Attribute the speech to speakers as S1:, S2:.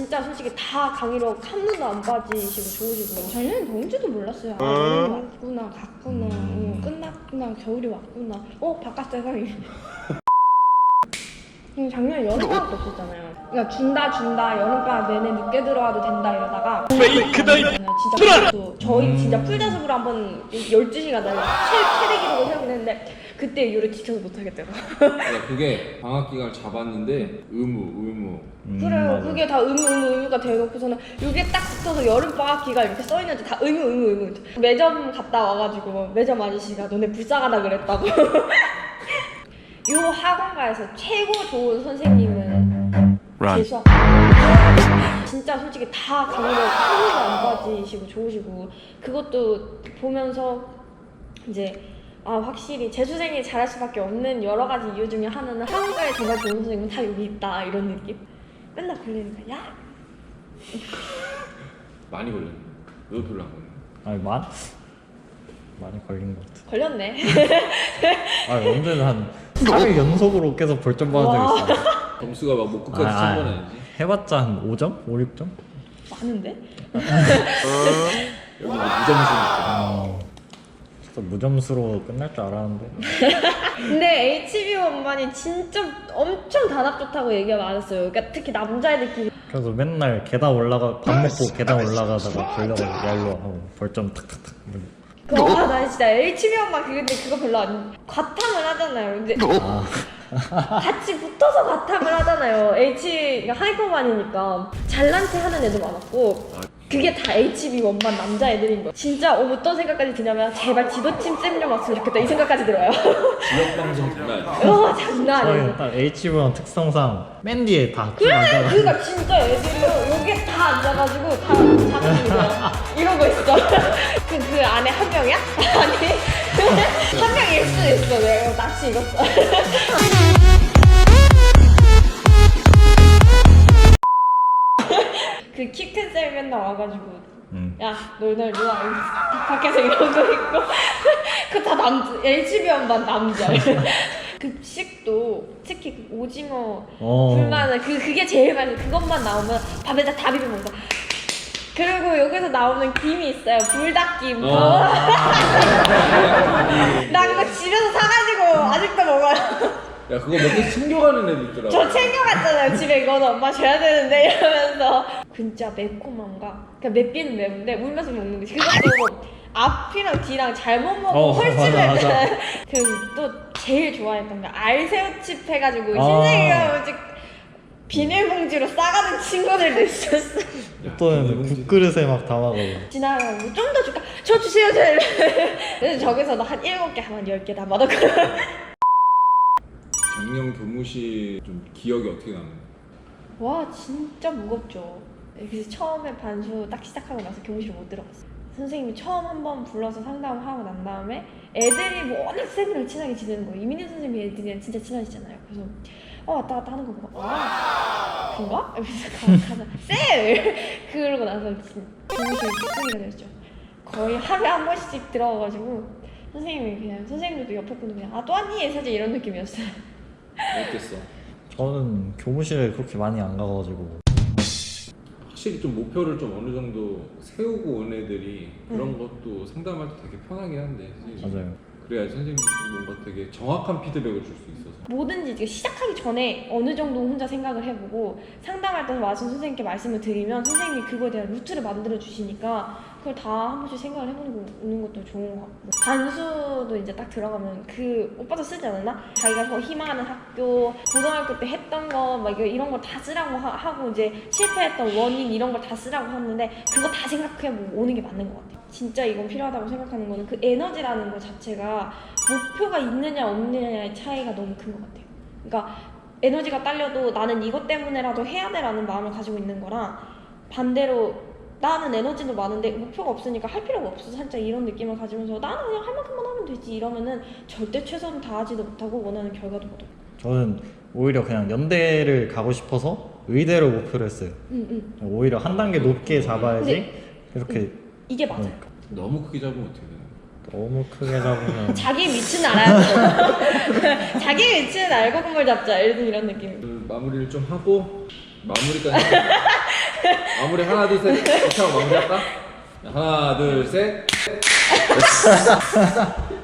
S1: 진짜 솔직히 다 강의로 한 번도 안 빠지시고 좋으시고 작년엔 더운지도 몰랐어요. 아 여름이 왔구나 갔구나 끝났구나 겨울이 왔구나 바깥 세상이 작년에 여름방학도 없었잖아요. 그러니까 준다 여름방학 내내 늦게 들어와도 된다 이러다가 페이크다 진짜 또 저희 진짜 풀자습으로 한번 12시간 달려 최대 기록을 세우긴 했는데 그때 이후로 지켜서 못하겠더라고요.
S2: 그게 방학 기간을 잡았는데 의무
S1: 그래요.
S3: 맞아.
S1: 그게 다 의무가 되어놓고서는 이게 딱 붙어서 여름방학 기간 이렇게 써있는데 다 의무 매점 갔다 와가지고 매점 아저씨가 너네 불쌍하다 그랬다고. 요 학원가에서 최고 좋은 선생님은 제 수학 진짜 솔직히 다 강의로 한 번도 안 빠지시고 좋으시고 그것도 보면서 이제 확실히 재수생이 잘할 수밖에 없는 여러 가지 이유 중에 하나는 학원가에 정말 좋은 선생님은 다 여기 있다 이런 느낌? 맨날 걸리니까 야!
S2: 많이 걸렸네. 너 별로 안 걸렸네.
S3: 아니 많이 걸린 것 같아.
S1: 걸렸네.
S3: 아니 언제는 한 3일 연속으로 계속 벌점 받은 적 있어.
S2: 점수가 막 뭐 끝까지 찬 건 아니지?
S3: 해봤자 한 5점? 5, 6점?
S1: 많은데?
S2: 여기 무점수니까.
S3: 진짜 무점수로 끝날 줄 알았는데.
S1: 근데 HB 원반이 진짜 엄청 단합 좋다고 얘기가 많았어요. 그러니까 특히 남자애들끼리
S3: 그래서 맨날 계단 올라가 밥 먹고 계단 올라가다가 걸려가지고 얄로 하고 벌점 탁탁탁.
S1: 나 진짜 HB 원반 근데 그거 별로 안 과탐을 하잖아요. 근데 같이 붙어서 과탐을 하잖아요. 그러니까 하이퍼반이니까 잘난 체 하는 애도 많았고 그게 다 HB 원반 남자애들인 거야. 진짜 어떤 생각까지 드냐면 제발 지도팀 쌤좀 왔으면 좋겠다 이 생각까지 들어요.
S2: 지역방송 장난 아니야.
S1: 장난 아니에요.
S3: 저희는 딱 HB원 특성상 맨 뒤에 다
S1: 그래! 그러니까 진짜 애들은 여기에 다 앉아가지고 다 자기가 이러고 있어. 그 안에 한 명이야? 아니 한 명일 수도 있어. 내가 낯이 익었어. 그 키 큰 쌤 맨날 와가지고 야 너네 누가 밖에서 이러고 있고 그 다 남자 HB 원반 남자. 급식도 특히 그 오징어 불만은 그게 제일 맛있어. 그것만 나오면 밥에다 다 비벼 먹어. 그리고 여기서 나오는 김이 있어요. 불닭김. 나 그거 집에서 사가지고 아직도 먹어요.
S2: 야 그거 몇 개 챙겨가는 애들 있더라고.
S1: 저 챙겨갔잖아요. 집에 이거는 엄마 줘야 되는데 이러면서 진짜 매콤함과 그러니까 맵기는 매운데 울면서 먹는 게 그것도 앞이랑 뒤랑 잘못 먹으면 훨씬 맵잖아요. 또 제일 좋아했던 게 알새우칩 해가지고 신세계가 비닐봉지로 싸가는 친구들도 있었어.
S3: 또는 국그릇에 막 담아가지고
S1: 지나가고 좀 더 줄까? 저 주세요. 그래서 저기서도 한 7개, 한 10개 담아놓고
S2: 작년 교무실 좀 기억이 어떻게 나는?
S1: 와 진짜 무겁죠. 그래서 처음에 반수 딱 시작하고 나서 교무실 못 들어갔어요. 선생님이 처음 한번 불러서 상담하고 난 다음에 애들이 뭐 워낙 쌤이랑 친하게 지내는 거예요. 이민희 선생님이 애들이랑 진짜 친하시잖아요. 그래서 왔다 갔다 하는 거 보고 그런가? 이러면서 가자 쌤! 그러고 나서 교무실 뒷소리가 됐죠. 거의 하루에 한 번씩 들어가가지고 선생님이 그냥 선생님들도 옆에 분도 그냥 또 왔니? 사실 이런 느낌이었어요.
S2: 어땠어?
S3: 저는 교무실에 그렇게 많이 안 가가지고
S2: 확실히 좀 목표를 좀 어느 정도 세우고 온 애들이 그런 것도 상담할 때 되게 편하긴 한데
S3: 맞아요.
S2: 그래야 선생님도 뭔가 되게 정확한 피드백을 줄 수 있어서
S1: 뭐든지 시작하기 전에 어느 정도 혼자 생각을 해보고 상담할 때 와서 선생님께 말씀을 드리면 선생님이 그거에 대한 루트를 만들어 주시니까 그걸 다 한 번씩 생각을 해보는 것도 좋은 것 같고 반수도 이제 딱 들어가면 그 오빠도 쓰지 않았나? 자기가 더 희망하는 학교 고등학교 때 했던 거 막 이런 걸 다 쓰라고 하고 이제 실패했던 원인 이런 걸 다 쓰라고 하는데 그거 다 생각해보고 오는 게 맞는 것 같아요. 진짜 이건 필요하다고 생각하는 거는 그 에너지라는 것 자체가 목표가 있느냐 없느냐의 차이가 너무 큰 것 같아요. 그러니까 에너지가 딸려도 나는 이것 때문에라도 해야 돼라는 마음을 가지고 있는 거랑 반대로 나는 에너지도 많은데 목표가 없으니까 할 필요가 없어서 살짝 이런 느낌을 가지면서 나는 그냥 할 만큼만 하면 되지 이러면은 절대 최선을 다하지도 못하고 원하는 결과도 못 얻고.
S3: 저는 오히려 그냥 연대를 가고 싶어서 의대로 목표를 했어요. 오히려 한 단계 높게 잡아야지 이렇게
S1: 이게 맞아요.
S2: 너무 크게 잡으면 어떻게 되나?
S3: 너무 크게 잡으면
S1: 자기 위치는 알아야죠. 자기 위치는 알고 공을 잡자. 예를 들어 이런 느낌.
S2: 마무리를 좀 하고 마무리까지 마무리 하나 둘 셋 이렇게 하고 마무리할까? 하나 둘 셋.